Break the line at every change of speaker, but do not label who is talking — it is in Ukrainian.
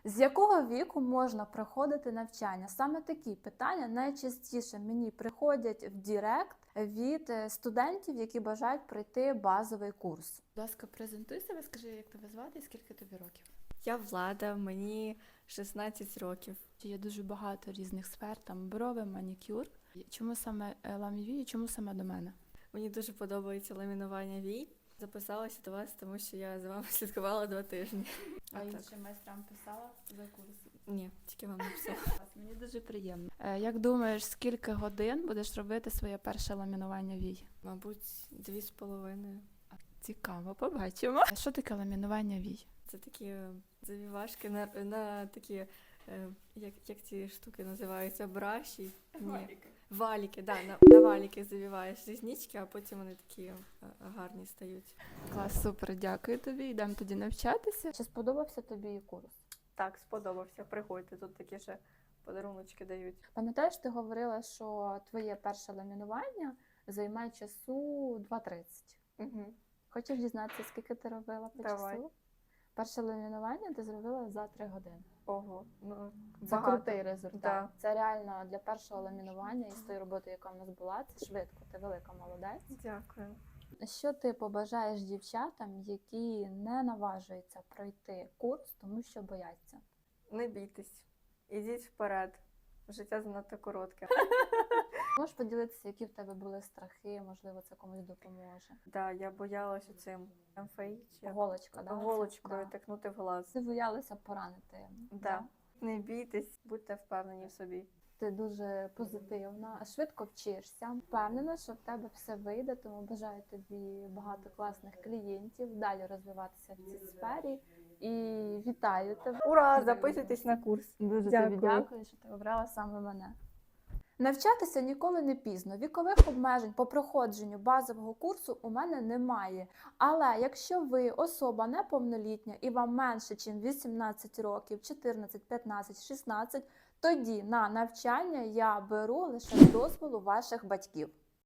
З якого віку можна проходити навчання? Саме такі питання найчастіше мені приходять в Директ від студентів, які бажають пройти базовий курс. Будь ласка, презентуй себе, скажи, як тебе звати і скільки тобі років?
Я Влада, мені 16 років.
Є дуже багато різних сфер, там брови, манікюр. Чому саме ламіві і чому саме до мене?
Мені дуже подобається ламінування вій. Записалася до вас, тому що я за вами слідкувала 2 тижні.
А іншим майстрам писала за курс?
Ні, тільки вам написала.
Мені дуже приємно. Як думаєш, скільки годин будеш робити своє перше ламінування вій?
Мабуть, 2,5.
Цікаво, побачимо. Що таке ламінування вій?
Це такі завівашки на такі, як ці штуки називаються, браші?
Валіки.
Валіки, да, на валіки завіваєш різнички, а потім вони такі гарні стають.
Клас, супер, дякую тобі. Йдемо тоді навчатися. Чи сподобався тобі курс?
Так, сподобався. Приходьте, тут такі ще подаруночки дають.
Пам'ятаєш, ти говорила, що твоє перше ламінування займає часу 2:30.
Угу.
Хочеш дізнатися, скільки ти робила по
Давай.
часу? Перше ламінування ти зробила за 3 години.
Ого, ну
Це
багато.
крутий результат.
Да.
Це реально для першого ламінування і з тої роботи, яка в нас була, це швидко. Ти велика молодець.
Дякую.
Що ти побажаєш дівчатам, які не наважуються пройти курс, тому що бояться?
Не бійтесь, ідіть вперед. Життя занадто коротке.
Можеш поділитися, які в тебе були страхи, можливо, це комусь допоможе.
Да, я боялася цим МФІ, чи
Голочка, да?
голочкою
Да.
тикнути в глаз.
Ти боялася поранити.
Да. Не бійтесь, будьте впевнені в собі.
Ти дуже позитивна, швидко вчишся. Впевнена, що в тебе все вийде, тому бажаю тобі багато класних клієнтів, далі розвиватися в цій сфері. І вітаю тебе.
Ура! Записуйтесь на курс.
Дуже
Дякую.
тобі дякую, що ти обрала саме мене. Навчатися ніколи не пізно. Вікових обмежень по проходженню базового курсу у мене немає. Але якщо ви особа неповнолітня і вам менше, ніж 18 років, 14, 15, 16, тоді на навчання я беру лише з дозволу ваших батьків.